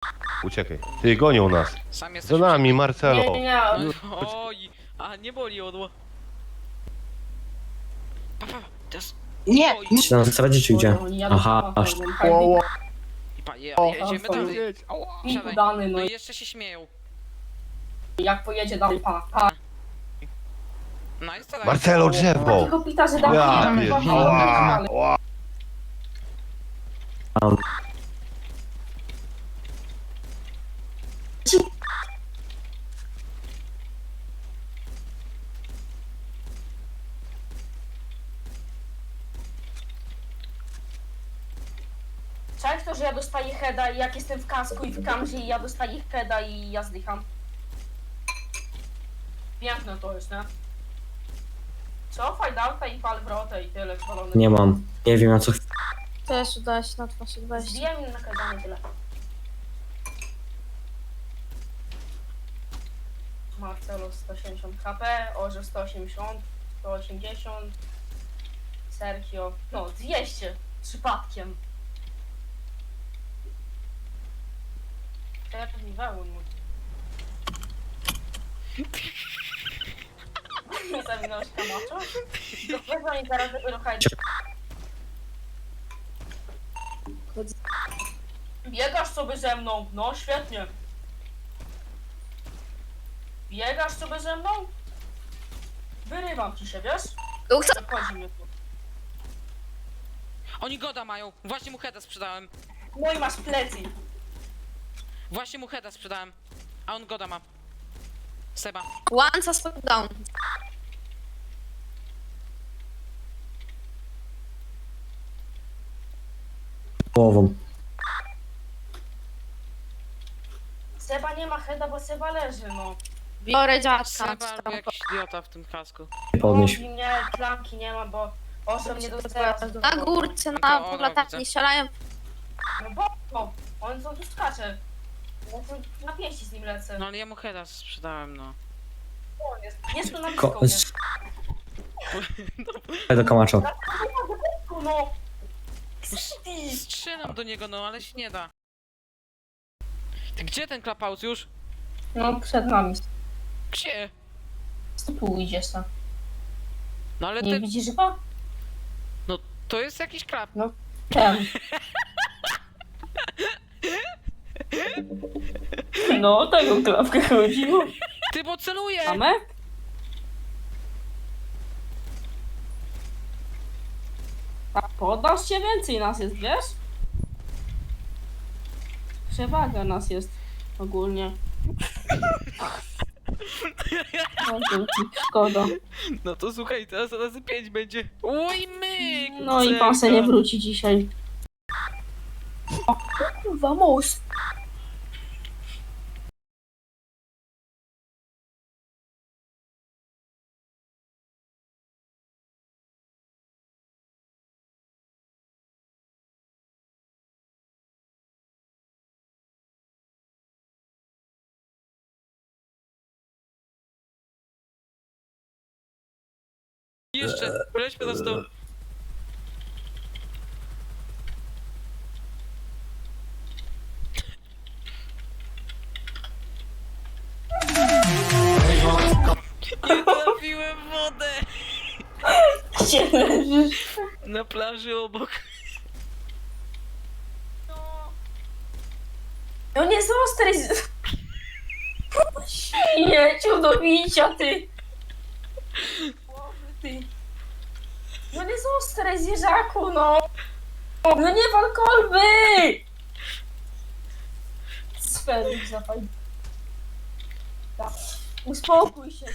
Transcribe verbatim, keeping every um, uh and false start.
Uciekaj. Ty, gonią nas. Sam Za jesteś... nami, Marcelo. Nie, nie, nie. Oj, a nie boli odło. Papa, teraz... Nie! Oj, Czy na zasadzie czy gdzie? Oni jadą Aha, aż. samochodem, i pa, je, O, jedziemy tam dalej. I Siadaj. dany, No no i i jeszcze się śmieją. jak pojedzie dalej, pa, pa. No i co Marcelo, drzewo. Takiego pita, że dam Ja pita, pier- pa, Ała, pa, ała. Tam. Cześć to, że ja dostaję heada i jak jestem w kasku i w kamzie i ja dostaję heada i ja zdycham. Piękne to jest, nie? Co? Fajdauta i pal wrotę i tyle zwalone. Nie mam. Nie wiem na co. Też udało się na dwadzieścia dwadzieścia. Zbijam im na kazanie tyle. Marcelo sto siedemdziesiąt H P, Orze sto osiemdziesiąt, sto osiemdziesiąt, Sergio, no dwieście, przypadkiem. To ja pewnie wełun mu. Nie zawinąłeś kamaczo? Dopiero oni zaraz dopiero hajdzie. Biegasz sobie ze mną, no świetnie. Biegasz sobie ze mną? Wyrywam ci się, wiesz? Zachodzi mnie tu. Oni goda mają. Właśnie mu heada sprzedałem. No i masz plecy. Właśnie mu heada sprzedałem. A on goda ma. Seba. One suspect down. Połową. Seba nie ma heada, bo Seba leży, no. Biorę dziadka. Seba albo jakiś idiota w tym kasku. Nie podnieś. Mówi mnie, klamki nie ma, bo osiem nie dostaje. Na górce, Tylko na ona latarni widzę. strzelają. No bo, no, on co tu skacze. Ja tu na pięści z nim lecę. No ale ja mu heada sprzedałem, no. On jest, jest tu na Ko blisko mnie. do Kamaczo. No. Strzelam do niego, no ale się nie da. Ty gdzie ten klapaus już? No, przed nami. Gdzie? Co tu idziesz tam? No ale Nie ten... widzisz chyba? No to jest jakiś klap. Ten. No, o tego klapkę chodziło. Ty, bo celuje! Mamy? Tak, podasz się więcej nas jest, wiesz? Przewaga nas jest ogólnie. Bardzo ci szkoda. No to słuchaj, teraz razy pięć będzie. Oj myk! No i pan se nie wróci dzisiaj. O kurwa, most. Jeszcze, lećmy na stół. Nie trafiłem w wodę! Gdzie leżysz? Na plaży obok. No nie zostaj z... Śmieciu do bicia, ty! Ty. No nie zostaj zwierzaku, no! No nie wal kolby! Sfery zapaj. Tak. Uspokój się.